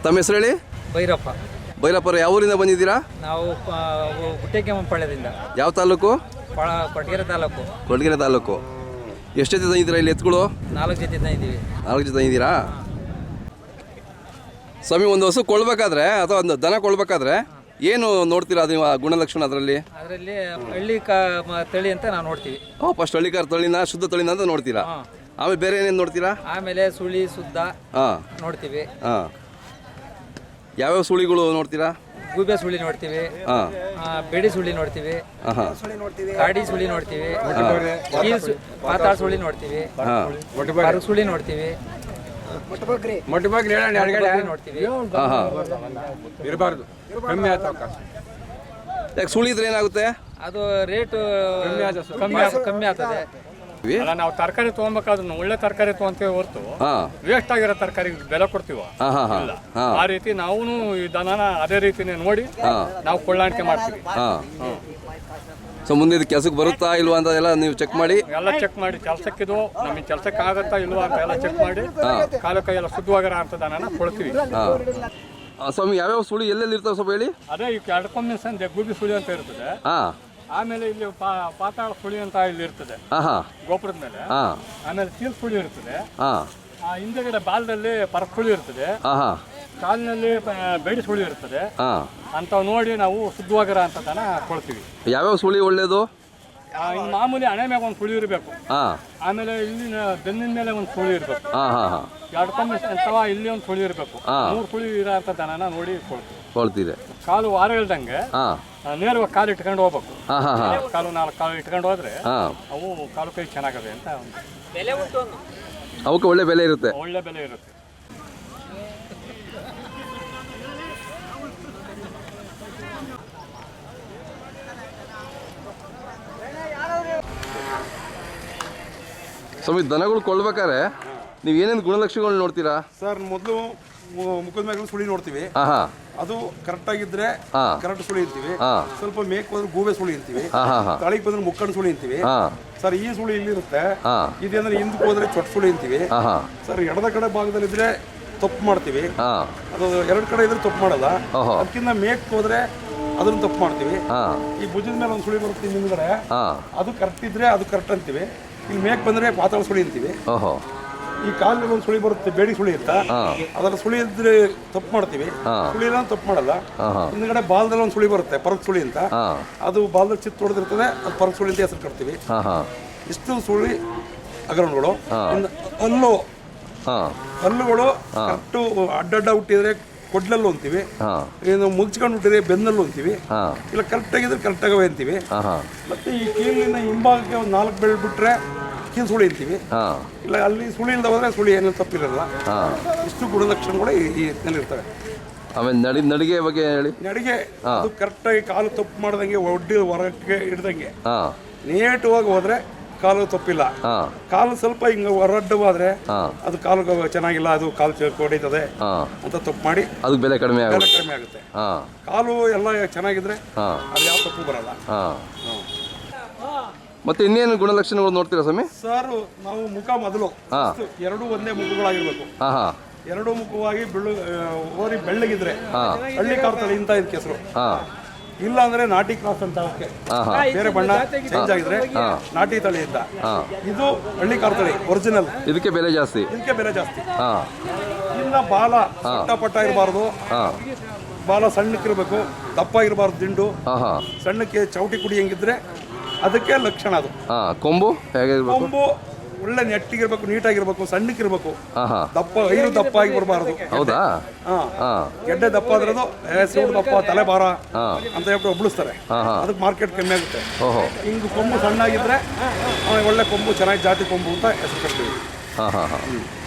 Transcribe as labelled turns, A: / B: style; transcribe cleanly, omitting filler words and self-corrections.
A: ತಮ್ಮ ಹೆಸರು ಹೇಳಿ.
B: ಭೈರಪ್ಪ.
A: ಭೈರಪ್ಪರು ಯಾವ ಊರಿಂದ ಬಂದಿದ್ದೀರಾ?
B: ನಾವು ಗುಟ್ಟೆಕೆಮ್ಮಪಾಳ್ಯದಿಂದ.
A: ಯಾವ ತಾಲೂಕು?
B: ಕೊಡಗೆರೆ ತಾಲೂಕು.
A: ಕೊಡಗೆರೆ ತಾಲೂಕು. ಎಷ್ಟು ಜೊತೆ ತಂದಿದ್ದೀರಾ ಇಲ್ಲಿ ಎತ್ತುಗಳು?
B: 4 ಜೊತೆ ತಂದಿದ್ದೀವಿ.
A: 4 ಜೊತೆ ತಂದಿದ್ದೀರಾ ಸ್ವಾಮಿ? ಒಂದು ಹಸು ಕೊಳ್ಬೇಕಾದ್ರೆ ಅಥವಾ ಒಂದು ದನ ಕೊಳ್ಬೇಕಾದ್ರೆ ಏನು ನೋಡ್ತೀರಾ ನೀವು ಗುಣಲಕ್ಷಣ ಅದರಲ್ಲಿ?
B: ಹಳ್ಳಿ ತಳಿ ಅಂತ ನಾವು ನೋಡ್ತೀವಿ.
A: ಫಸ್ಟ್ ಹಳ್ಳಿಕಾರ ತಳಿನ ಶುದ್ಧ ತಳಿನ ಅಂತ ನೋಡ್ತೀರಾ. ಆಮೇಲೆ ಬೇರೆ ಏನೇನು ನೋಡ್ತೀರಾ?
B: ಆಮೇಲೆ ಸುಳಿ ಶುದ್ಧ ನೋಡ್ತೀವಿ.
A: ಯಾವ್ಯಾವ ಸುಳಿಗಳು ನೋಡ್ತೀರಾ?
B: ಗೂಬೆ ಸುಳಿ ನೋಡ್ತೀವಿ, ಬೆಡಿ ಸುಳಿ ನೋಡ್ತೀವಿ, ಗಾಡಿ ಸುಳಿ ನೋಡ್ತೀವಿ, ಪಾತಾಳ ಸುಳಿ ನೋಡ್ತೀವಿ, ಸುಳಿ ನೋಡ್ತೀವಿ, ನೋಡ್ತೀವಿ.
C: ಇರಬಾರ್ದು,
A: ಸುಳಿ ಇದ್ರೆ ಏನಾಗುತ್ತೆ?
B: ಅದು ರೇಟು ಕಮ್ಮಿ ಆಗ್ತದೆ.
C: ಅಲ್ಲ, ನಾವು ತರಕಾರಿ ತಗೊಬೇಕಾದ್ರೆ ಒಳ್ಳೆ ತರಕಾರಿ ತಗೊಂತೀವಿ ಹೊರತು ವೇಸ್ಟ್ ಆಗಿರೋ ತರಕಾರಿ ಬೆಲೆ ಕೊಡ್ತೀವ. ಆ ರೀತಿ ನಾವು ಈ ದನನ ಅದೇ ರೀತಿನೇ ನೋಡಿ ನಾವು ಕೊಳ್ಳಾಣಿಕೆ ಮಾಡ್ತೀವಿ.
A: ಸೊ ಮುಂದೆ ಇದು ಕೆಲಸಕ್ಕೆ ಬರುತ್ತಾ ಇಲ್ವಾ ಅಂತ ಎಲ್ಲ ನೀವು ಚೆಕ್ ಮಾಡಿ
C: ಕೆಲಸಕ್ಕಿದು ನಮಗೆ ಕೆಲಸಕ್ಕೆ ಆಗತ್ತಾ ಇಲ್ವಾ ಅಂತ ಎಲ್ಲ ಚೆಕ್ ಮಾಡಿ ಕಾಲು ಕೈ ಎಲ್ಲ ಶುದ್ಧವಾಗಿರೋ ಅಂತ ದನನ ಕೊಡ್ತೀವಿ.
A: ಸ್ವಾಮಿ, ಯಾವ್ಯಾವ ಸುಳಿ ಎಲ್ಲೆಲ್ಲಿ ಇರ್ತಾವೆ ಸ್ವಲ್ಪ ಹೇಳಿ.
C: ಅದೇ ಈ ಎಡ್ಕೊಮ್ಮೆ ಸಂದೆ ಗುಬ್ಬಿ ಸುಳಿ ಅಂತ ಇರ್ತದೆ. ಆಮೇಲೆ ಇಲ್ಲಿ ಪಾತಾಳ ಸುಳಿ ಅಂತ ಇಲ್ಲಿ ಇರ್ತದೆ ಗೋಪುರದ ಮೇಲೆ. ಆಮೇಲೆ ಚೀಲ್ ಸುಳಿ ಇರ್ತದೆ. ಹಿಂದೆಗಡೆ ಬಾಲದಲ್ಲಿ ಪರಕ್ ಸುಳಿ ಇರ್ತದೆ. ಕಾಲಿನಲ್ಲಿ ಬೇಡಿ ಸುಳಿ ಇರ್ತದೆ. ಅಂತ ನೋಡಿ ನಾವು ಶುದ್ಧವಾಗಿರ ಅಂತ ದನ ಕೊಡ್ತೀವಿ.
A: ಯಾವ್ಯಾವ ಸುಳಿ ಒಳ್ಳೇದು?
C: ಮಾಮೂಲಿ ಹಣೆ ಮ್ಯಾಗ ಒಂದು ಸುಳಿ ಇರಬೇಕು. ಆಮೇಲೆ ಇಲ್ಲಿನ ಬೆನ್ನಿನ ಮೇಲೆ ಒಂದು ಸುಳಿ ಇರಬೇಕು. ಎಡ್ಕೊಮ್ಮೆ ಅಥವಾ ಇಲ್ಲಿ ಒಂದು ಸುಳಿ ಇರಬೇಕು. 3 ಸುಳಿ ಇರೋ ಅಂತ ದನನ ನೋಡಿ ಕೊಡ್ತೀವಿ. ಕಾಲು ವಾರ ಇಲ್ದಂಗೆ ನೇರವಾಗಿ ಕಾಲು ಇಟ್ಕೊಂಡು ಹೋಗ್ಬೇಕು. ಕಾಲು 4 ಕಾಲು ಇಟ್ಕೊಂಡು ಹೋದ್ರೆ ಅವು ಕಾಲು ಕೈ ಚೆನ್ನಾಗವೆ ಅಂತ.
A: ಅವಕ್ಕೆ ಒಳ್ಳೆ ಬೆಲೆ ಇರುತ್ತೆ.
C: ಒಳ್ಳೆ ಬೆಲೆ ಇರುತ್ತೆ.
A: ಸ್ವಾಮಿ, ದನಗಳು ಕೊಳ್ಬೇಕಾದ್ರೆ ನೀವು ಏನೇನು ಗುಣಲಕ್ಷಣಗಳು ನೋಡ್ತೀರಾ?
D: ಸರ್, ಮೊದಲು ಮುಖದ ಮ್ಯಾಗ ಸುಳಿ ನೋಡ್ತೀವಿ. ಅದು ಕರೆಕ್ಟ್ ಆಗಿದ್ರೆ ಕರೆಕ್ಟ್ ಸುಳಿ ಇರ್ತೀವಿ. ಸ್ವಲ್ಪ ಮೇಕ್ ಬಂದ್ರೆ ಗೂಬೆ ಸುಳಿ ಇರ್ತೀವಿ. ತಳಿಗೆ ಬಂದ್ರೆ ಮುಕ್ಕಣ್ಣ ಸುಳಿ ಅಂತೀವಿ. ಸರ್, ಈ ಸುಳಿ ಇಲ್ಲಿರುತ್ತೆ. ಇದೇಂದ್ರೆ ಹಿಂದಕ್ಕೆ ಹೋದ್ರೆ ಚೊಟ್ಟ ಸುಳಿ ಅಂತೀವಿ. ಸರ್, ಎಡದ ಕಡೆ ಭಾಗದಲ್ಲಿದ್ರೆ ತಪ್ಪು ಮಾಡ್ತೀವಿ. ಅದು 2 ಕಡೆ ಇದ್ರೆ ತಪ್ಪು ಮಾಡಲ್ಲ. ಅದಕ್ಕಿಂತ ಮೇಕ್ ಹೋದ್ರೆ ಅದನ್ನ ತಪ್ಪು ಮಾಡ್ತೀವಿ. ಈ ಭುಜದ ಮೇಲೆ ಒಂದು ಸುಳಿ ಬರುತ್ತೆ ಹಿಂದ್ಗಡೆ, ಅದು ಕರೆಕ್ಟ್ ಇದ್ರೆ ಅದು ಕರೆಕ್ಟ್ ಅಂತೀವಿ. ಇಲ್ಲಿ ಮೇಕ್ ಬಂದ್ರೆ ಪಾತಾಳ ಸುಳಿ ಅಂತೀವಿ. ಈ ಕಾಲಿನಲ್ಲಿ ಒಂದು ಸುಳಿ ಬರುತ್ತೆ, ಬೇಡಿ ಸುಳಿ ಅಂತ, ಅದರ ಸುಳಿ ಇದ್ರೆ ತಪ್ಪು ಮಾಡ್ತೀವಿ. ಸುಳಿ ಇಲ್ಲ ತಪ್ಪು ಮಾಡಲ್ಲ. ಹಿಂದ್ಗಡೆ ಬಾಲದಲ್ಲಿ ಒಂದು ಸುಳಿ ಬರುತ್ತೆ, ಪರಕ್ ಸುಳಿ ಅಂತ, ಅದು ಬಾಲದಲ್ಲಿ ಚಿತ್ತು ಹೊಡೆದಿರ್ತದೆ, ಅದು ಪರಕ್ ಸುಳಿ ಅಂತ ಹೆಸರು ಕಟ್ತೀವಿ. ಇಷ್ಟು ಸುಳಿ ಹಗರಣಗಳು. ಹಲ್ಲುಗಳು ಕರೆಕ್ಟು ಅಡ್ಡಡ್ಡ ಹುಟ್ಟಿದ್ರೆ ಕೊಡ್ಲಲ್ಲೂ ಅಂತೀವಿ. ಏನು ಮುಗ್ಸ್ಕೊಂಡು ಹುಟ್ಟಿದ್ರೆ ಬೆನ್ನಲ್ಲೂ ಅಂತೀವಿ. ಇಲ್ಲ ಕರೆಕ್ಟ್ ಆಗಿದ್ರೆ ಕರೆಕ್ಟ್ ಆಗವೆ ಅಂತೀವಿ. ಮತ್ತೆ ಈ ಕೀಲಿನ ಹಿಂಭಾಗಕ್ಕೆ ಒಂದು 4 ಬೆಳೆ ಬಿಟ್ರೆ ಕೀಲು ಸುಳಿ ಅಂತೀವಿ. ಇಲ್ಲ ಅಲ್ಲಿ ಸುಳಿ ಇಲ್ಲದ ಹೋದ್ರೆ ಸುಳಿ ಏನೂ ತಪ್ಪಿರಲ್ಲ. ಇಷ್ಟು ಗುಣಲಕ್ಷಣಗಳು ಈ ಇರ್ತವೆ.
A: ಆಮೇಲೆ ನಡಿಗೆ ಬಗ್ಗೆ ಹೇಳಿ.
D: ನಡಿಗೆ ಅದು ಕರೆಕ್ಟಾಗಿ ಕಾಲು ತಪ್ಪು ಮಾಡ್ದಂಗೆ ಒಡ್ಡಿ ಹೊರಕ್ಕೆ ಹಿಡ್ದಂಗೆ ನೇಟವಾಗಿ ಹೋದ್ರೆ ಕಾಲು ತಪ್ಪಿಲ್ಲ. ಕಾಲು ಸ್ವಲ್ಪ ಹಿಂಗ ಹೊರಡ್ಡವಾದ್ರೆ ಅದು ಕಾಲು ಚೆನ್ನಾಗಿಲ್ಲ, ಅದು ಕಾಲು ಹೊಡಿತದೆ ಅಂತ ತಪ್ಪು ಮಾಡಿ
A: ಅದು ಬೆಲೆ ಕಡಿಮೆ
D: ಆಗುತ್ತೆ. ಕಾಲು ಎಲ್ಲ ಚೆನ್ನಾಗಿದ್ರೆ ಅದು ಯಾವ ತಪ್ಪು ಬರಲ್ಲ.
A: ಮತ್ತೆ ಇನ್ನೇನು ಗುಣಲಕ್ಷಣಗಳು ನೋಡ್ತೀರಾ ಸ್ವಾಮಿ?
D: ಸರ್, ನಾವು ಮುಖ ಮೊದಲು 2 ಒಂದೇ ಮುಖಗಳಾಗಿರ್ಬೇಕು. 2 ಮುಖವಾಗಿ ಓರಿ ಬೆಳ್ಳಗಿದ್ರೆ ಹಳ್ಳಿ ಕಾರ್ತಳಿ ಇಂತ ಇದಕ್ಕೆ ಹೆಸರು. ಇಲ್ಲ ಅಂದ್ರೆ ನಾಟಿ ಕ್ರಾಸ್ ಅಂತ, ಬೇರೆ ಬಣ್ಣ ಚೇಂಜ್ ಆಗಿದ್ರೆ ನಾಟಿ ತಳಿ ಇದ್ದ. ಇದು ಹಳ್ಳಿ ಕಾರ್ತಳಿ ಒರಿಜಿನಲ್.
A: ಇದಕ್ಕೆ ಬೆಲೆ ಜಾಸ್ತಿ.
D: ಇಲ್ಲ ಬಾಲ ಪಟ್ಟ ಇರಬಾರ್ದು, ಬಾಲ ಸಣ್ಣಕ್ಕಿರ್ಬೇಕು, ದಪ್ಪ ಇರಬಾರ್ದು, ದಿಂಡು ಸಣ್ಣಕ್ಕೆ ಚೌಟಿ ಕುಡಿ ಹೆಂಗಿದ್ರೆ ಅದಕ್ಕೆ ಲಕ್ಷಣ. ಅದು
A: ಕೊಂಬು
D: ಕೊಂಬು ಒಳ್ಳೆ ನೆಟ್ಟಿಗಿರ್ಬೇಕು, ನೀಟಾಗಿರ್ಬೇಕು, ಸಣ್ಣಕ್ಕಿರ್ಬೇಕು, ದಪ್ಪ ಆಗಿ ಬರಬಾರ್ದು.
A: ಹೌದಾ?
D: ಗೆಡ್ಡೆ ದಪ್ಪ ಆದ್ರದು ಸೂಡು ದಪ್ಪ, ತಲೆ ಭಾರ ಅಂತ ಹೇಳ್ಬಿಟ್ಟು ಒಬ್ಳಿಸ್ತಾರೆ. ಅದಕ್ಕೆ ಮಾರ್ಕೆಟ್ ಕಮ್ಮಿ ಆಗುತ್ತೆ. ಹಿಂಗೆ ಕೊಂಬು ಸಣ್ಣಾಗಿದ್ರೆ ಒಳ್ಳೆ ಕೊಂಬು, ಚೆನ್ನಾಗಿ ಜಾತಿ ಕೊಂಬು ಅಂತ ಹೆಸರು ಕೊಡ್ತೀವಿ.